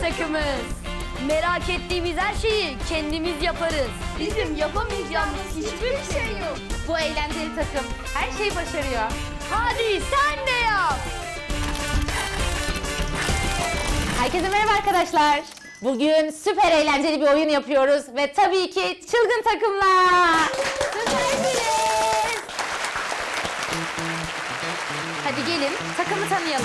takımız. Merak ettiğimiz her şeyi kendimiz yaparız. Bizim yapamayacağımız hiçbir şey yok. Bu eğlenceli takım her şeyi başarıyor. Hadi sen de yap. Herkese merhaba arkadaşlar. Bugün süper eğlenceli bir oyun yapıyoruz ve tabii ki çılgın takımlar. Süpersiniz. Hadi gelin takımı tanıyalım.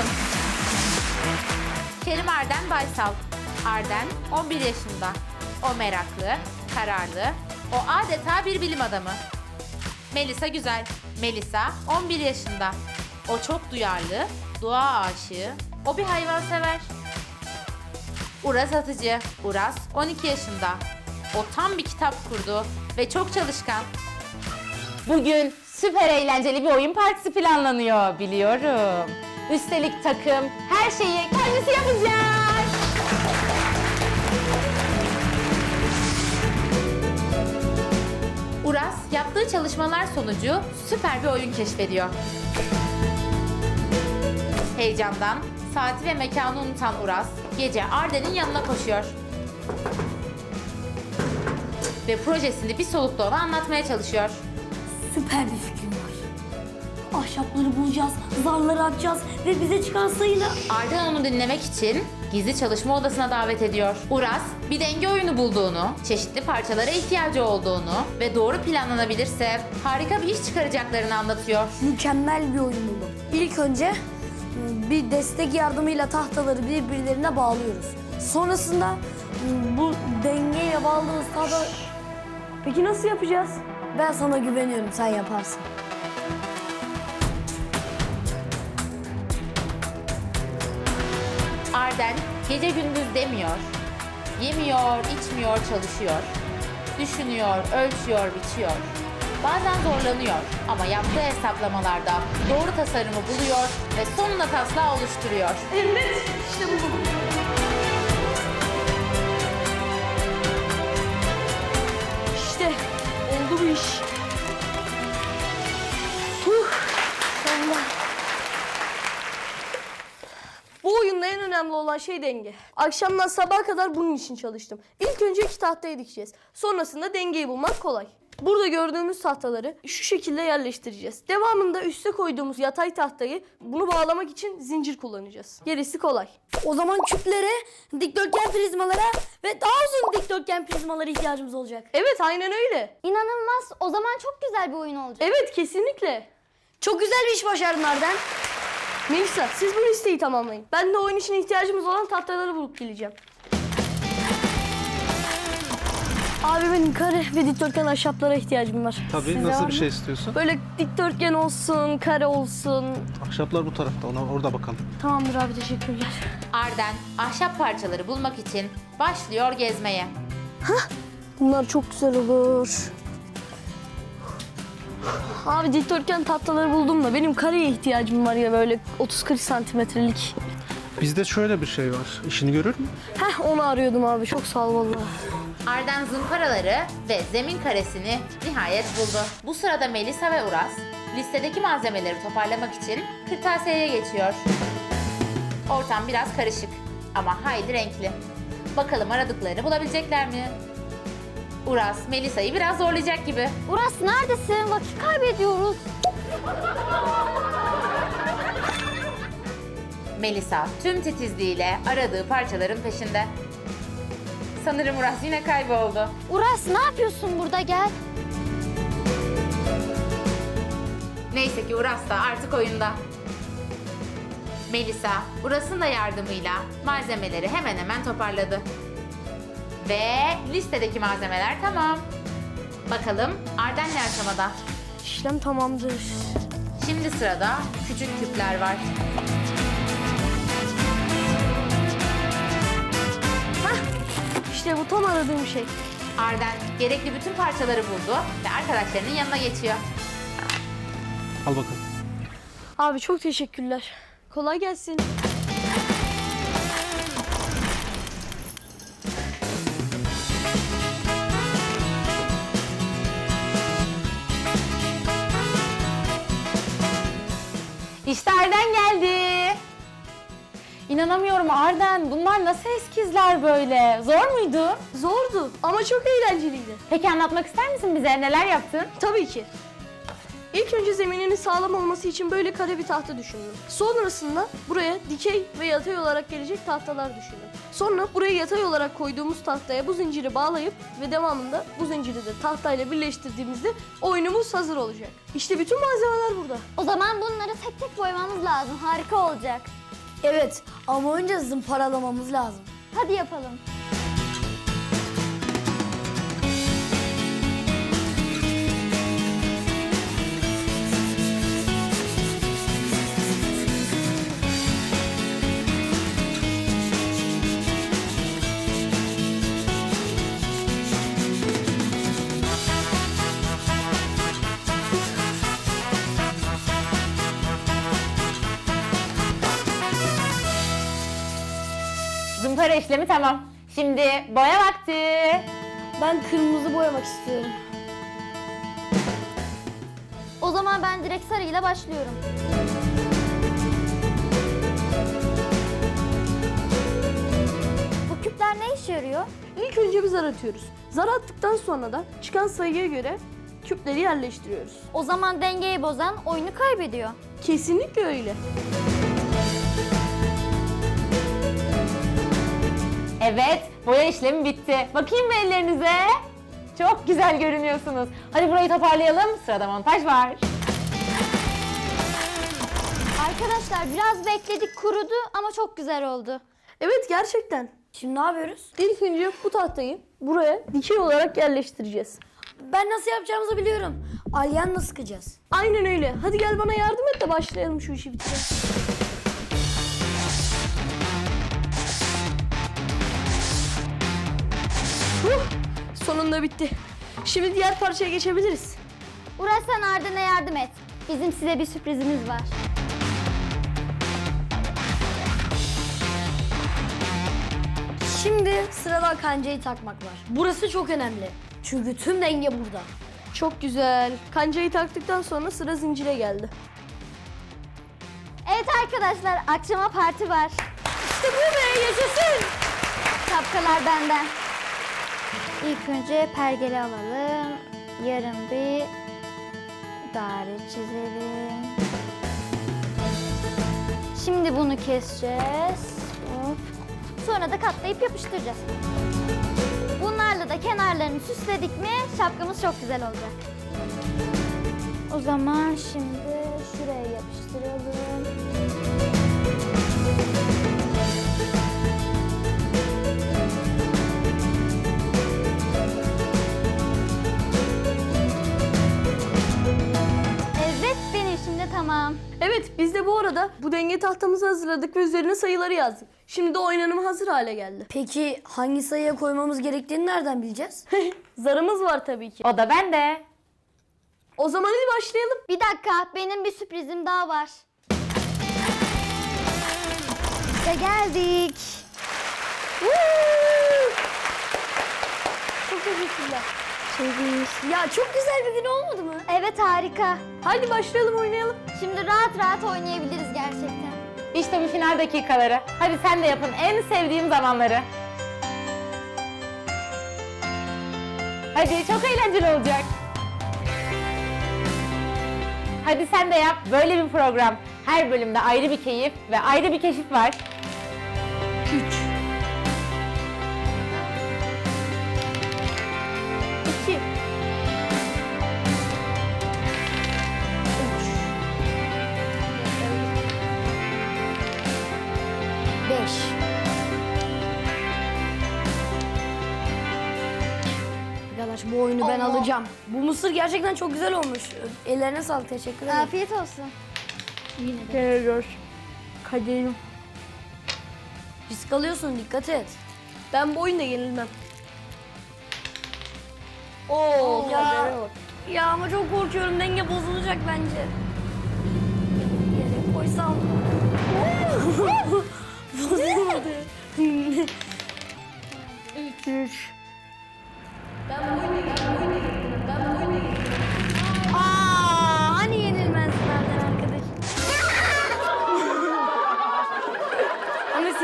Kerim Arden Baysal. Arden 11 yaşında. O meraklı, kararlı, o adeta bir bilim adamı. Melisa Güzel. Melisa 11 yaşında. O çok duyarlı, doğa aşığı, o bir hayvansever. Uras Atıcı. Uras 12 yaşında. O tam bir kitap kurdu ve çok çalışkan. Bugün süper eğlenceli bir oyun partisi planlanıyor biliyorum. Üstelik takım her şeyi kendisi yapacak. Uras yaptığı çalışmalar sonucu süper bir oyun keşfediyor. Heyecandan saati ve mekanı unutan Uras gece Arden'in yanına koşuyor. Ve projesini bir solukta ona anlatmaya çalışıyor. Süper bir fikrim var. Ahşapları bulacağız, zarları atacağız ve bize çıkan sayıyla... Arden onu dinlemek için gizli çalışma odasına davet ediyor. Uras bir denge oyunu bulduğunu, çeşitli parçalara ihtiyacı olduğunu ve doğru planlanabilirse harika bir iş çıkaracaklarını anlatıyor. Mükemmel bir oyun buldum. İlk önce bir destek yardımıyla tahtaları birbirlerine bağlıyoruz. Sonrasında bu dengeye bağladığımız tahtaları... Peki nasıl yapacağız? Ben sana güveniyorum, sen yaparsın. Arden gece gündüz demiyor. Yemiyor, içmiyor, çalışıyor. Düşünüyor, ölçüyor, biçiyor. Bazen zorlanıyor ama yaptığı hesaplamalarda doğru tasarımı buluyor ve sonunda taslağı oluşturuyor. Evet, işte bu. İşte oldu bu iş. Allah. Bu oyunda en önemli olan şey denge. Akşamdan sabaha kadar bunun için çalıştım. İlk önce 2 tahtayı dikeceğiz. Sonrasında dengeyi bulmak kolay. Burada gördüğümüz tahtaları şu şekilde yerleştireceğiz. Devamında üste koyduğumuz yatay tahtayı bunu bağlamak için zincir kullanacağız. Gerisi kolay. O zaman küplere, dikdörtgen prizmalara ve daha uzun dikdörtgen prizmalara ihtiyacımız olacak. Evet, aynen öyle. İnanılmaz. O zaman çok güzel bir oyun olacak. Evet, kesinlikle. Çok güzel bir iş başardın Arden. Melisa, siz bu listeyi tamamlayın. Ben de oyun için ihtiyacımız olan tahtaları bulup geleceğim. Abi benim kare ve dikdörtgen ahşaplara ihtiyacım var. Tabii, Sizde var nasıl mı? bir şey istiyorsun? Böyle dikdörtgen olsun, kare olsun. Ahşaplar bu tarafta, orada bakalım. Tamamdır abi, teşekkürler. Arden ahşap parçaları bulmak için başlıyor gezmeye. Bunlar çok güzel olur. Abi dikdörtgen tahtaları buldum da benim kareye ihtiyacım var ya, böyle 30-40 santimetrelik. Bizde şöyle bir şey var, işini görür mü? Heh, onu arıyordum abi, çok sağ ol vallahi. Arden zımparaları ve zemin karesini nihayet buldu. Bu sırada Melisa ve Uras listedeki malzemeleri toparlamak için kırtasiyeye geçiyor. Ortam biraz karışık ama hayli renkli. Bakalım aradıklarını bulabilecekler mi? Uras, Melisa'yı biraz zorlayacak gibi. Uras neredesin? Vakit kaybediyoruz. Melisa tüm titizliğiyle aradığı parçaların peşinde. Sanırım Uras yine kayboldu. Uras ne yapıyorsun burada? Gel. Neyse ki Uras da artık oyunda. Melisa, Uras'ın da yardımıyla malzemeleri hemen hemen toparladı. Ve listedeki malzemeler tamam. Bakalım Arden ne aşamada? İşlem tamamdır. Şimdi sırada küçük küpler var. İşte bu tam aradığım şey. Arden gerekli bütün parçaları buldu ve arkadaşlarının yanına geçiyor. Al bakalım. Abi çok teşekkürler. Kolay gelsin. İşte Arden geldi. İnanamıyorum Arden. Bunlar nasıl eskizler böyle? Zor muydu? Zordu ama çok eğlenceliydi. Peki anlatmak ister misin bize? Neler yaptın? Tabii ki. İlk önce zemininin sağlam olması için böyle kare bir tahta düşündüm. Sonrasında buraya dikey ve yatay olarak gelecek tahtalar düşündüm. Sonra buraya yatay olarak koyduğumuz tahtaya bu zinciri bağlayıp ve devamında bu zinciri de tahtayla birleştirdiğimizde oyunumuz hazır olacak. İşte bütün malzemeler burada. O zaman bunları tek tek boyamamız lazım. Harika olacak. Evet ama önce zımparalamamız lazım. Hadi yapalım. Zımpara işlemi tamam. Şimdi boya vakti. Ben kırmızı boyamak istiyorum. O zaman ben direkt sarıyla başlıyorum. Bu küpler ne işe yarıyor? İlk önce bir zar atıyoruz. Zar attıktan sonra da çıkan sayıya göre küpleri yerleştiriyoruz. O zaman dengeyi bozan oyunu kaybediyor. Kesinlikle öyle. Evet, boya işlemi bitti. Bakayım mı ellerinize? Çok güzel görünüyorsunuz. Hadi burayı toparlayalım. Sırada montaj var. Arkadaşlar biraz bekledik, kurudu ama çok güzel oldu. Evet gerçekten. Şimdi ne yapıyoruz? İlk önce bu tahtayı buraya dikey olarak yerleştireceğiz. Ben nasıl yapacağımızı biliyorum. Alyanla sıkacağız. Aynen öyle. Hadi gel bana yardım et de başlayalım şu işi bitirelim. Sonunda bitti. Şimdi diğer parçaya geçebiliriz. Uras sen Arden'e yardım et. Bizim size bir sürprizimiz var. Şimdi sırada kancayı takmak var. Burası çok önemli. Çünkü tüm denge burada. Çok güzel. Kancayı taktıktan sonra sıra zincire geldi. Evet arkadaşlar, akşama parti var. İşte bu be, yaşasın. Şapkalar benden. İlk önce pergeli alalım. Yarım bir daire çizelim. Şimdi bunu keseceğiz. Hop. Sonra da katlayıp yapıştıracağız. Bunlarla da kenarlarını süsledik mi şapkamız çok güzel olacak. O zaman şimdi şuraya yapıştıralım. Evet, benim şimdi tamam. Evet biz de bu arada bu denge tahtamızı hazırladık ve üzerine sayıları yazdık. Şimdi de oynanıma hazır hale geldi. Peki hangi sayıya koymamız gerektiğini nereden bileceğiz? Zarımız var tabii ki. O da bende. O zaman hadi başlayalım. Bir dakika, benim bir sürprizim daha var. İşte geldik. Çok teşekkürler. Ya çok güzel bir gün olmadı mı? Evet, harika. Haydi başlayalım oynayalım. Şimdi rahat rahat oynayabiliriz gerçekten. İşte bu final dakikaları. Hadi sen de yapın en sevdiğim zamanları. Hadi çok eğlenceli olacak. Hadi sen de yap. Böyle bir program. Her bölümde ayrı bir keyif ve ayrı bir keşif var. 2 5. Arkadaş bu oyunu ben alacağım. Bu mısır gerçekten çok güzel olmuş. Ellerine sağlık, teşekkür ederim. Afiyet olsun. Geliyor. Kaderim. Risk alıyorsun, dikkat et. Ben bu oyunda yenilmem. Oo, Ya. kadere bak. Ya ama çok korkuyorum, denge bozulacak bence. Yere koysam. Bozulmadı. 3 Aa, hani yenilmezlerden arkadaş. Ama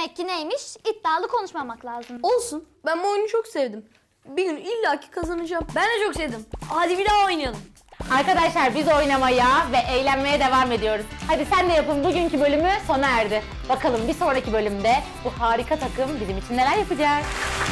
Demek ki neymiş? İddialı konuşmamak lazım. Olsun. Ben bu oyunu çok sevdim. Bir gün illaki kazanacağım. Ben de çok sevdim. Hadi bir daha oynayalım. Arkadaşlar biz oynamaya ve eğlenmeye devam ediyoruz. Hadi sen de yapın, bugünkü bölümü sona erdi. Bakalım bir sonraki bölümde bu harika takım bizim için neler yapacak?